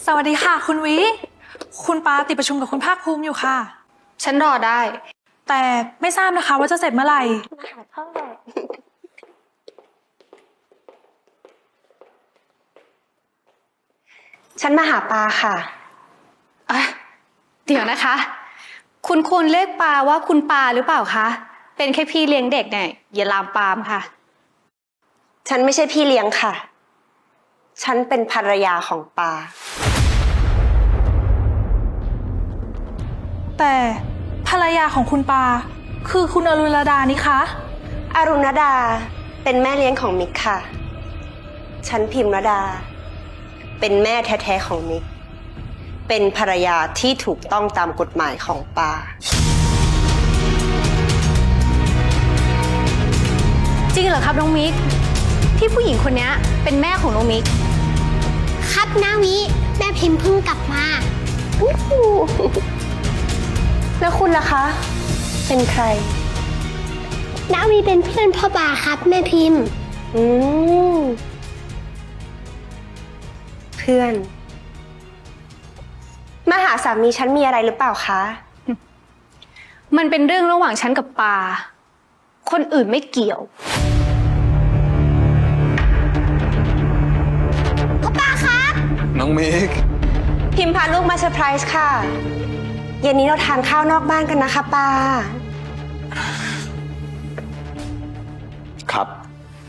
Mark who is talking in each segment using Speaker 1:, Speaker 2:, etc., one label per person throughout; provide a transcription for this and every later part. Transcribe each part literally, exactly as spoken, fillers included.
Speaker 1: สวัสดีค่ะคุณวิคุณปาติดประชุมกับคุณภาคภูมิอยู่ค่ะ
Speaker 2: ฉันรอได้
Speaker 1: แต่ไม่ทราบนะคะว่าจะเสร็จเมื่อไหร่
Speaker 3: มาหาพ่อฉันมาหาปาค่ะ
Speaker 2: อ่ะ เดี๋ยวนะคะ คุณควรเรียกปาว่าคุณปาหรือเปล่าคะ เป็นแค่พี่เลี้ยงเด็กเนี่ยอย่าลามปามค่ะ
Speaker 3: ฉันไม่ใช่พี่เลี้ยงค่ะ ฉันเป็นภรรยาของปา
Speaker 1: แต่ภรรยาของคุณปาคือคุณอรุณดานี่คะ
Speaker 3: อรุณดาเป็นแม่เลี้ยงของมิกค่ะ ฉันพิมรดาเป็นแม่แท้ๆของมิกเป็นภรรยาที่ถูกต้องตามกฎหมายของปา
Speaker 2: จริงเหรอครับน้องมิกที่ผู้หญิงคนนี้เป็นแม่ของน้องมิก
Speaker 4: ครับนาวิแม่พิมพ์เพิ่งกลับมา
Speaker 3: แล้วคุณล่ะคะ เป็นใคร
Speaker 4: นาวิเป็นเพื่อนพ่อบาครับแม่พิมพ์
Speaker 3: อืมเพื่อนมาหาสามีฉันมีอะไรหรือเปล่าคะ
Speaker 2: มันเป็นเรื่องระหว่างฉันกับปาคนอื่นไม่เกี่ยว
Speaker 4: พ่อปาครับ
Speaker 5: น้องมิก
Speaker 3: พิมพาลูกมาเซอร์ไพรส์ค่ะเย็นนี้เราทานข้าวนอกบ้านกันนะคะปา
Speaker 5: ครับ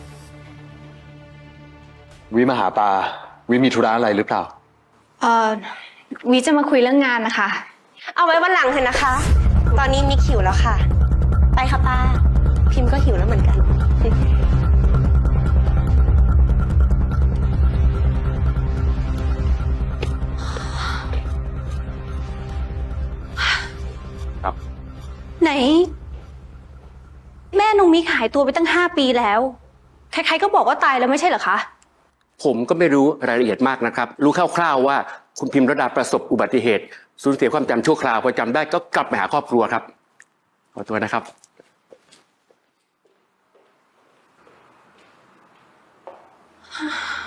Speaker 5: วิมาหาปาวิมีธุระอะไรหรือเปล่า
Speaker 2: เอ่อวิจะมาคุยเรื่องงานนะคะ
Speaker 3: เอาไว้วันหลังเถอะนะคะ ตอนนี้มิกหิวแล้วค่ะไปค่ะปาพิมก็หิวแล้วเหมือนกัน
Speaker 5: ครับ
Speaker 2: ไหน แม่น้องมิกหายตัวไปตั้งห้าปีแล้วใครๆก็บอกว่าตายแล้วไม่ใช่เหรอคะ
Speaker 6: ผมก็ไม่รู้รายละเอียดมากนะครับรู้คร่าวๆว่าคุณพิมรดาประสบอุบัติเหตุสูญเสียความจำชั่วคราวพอจำได้ก็กลับไปหาครอบครัวครับขอตัวนะครับ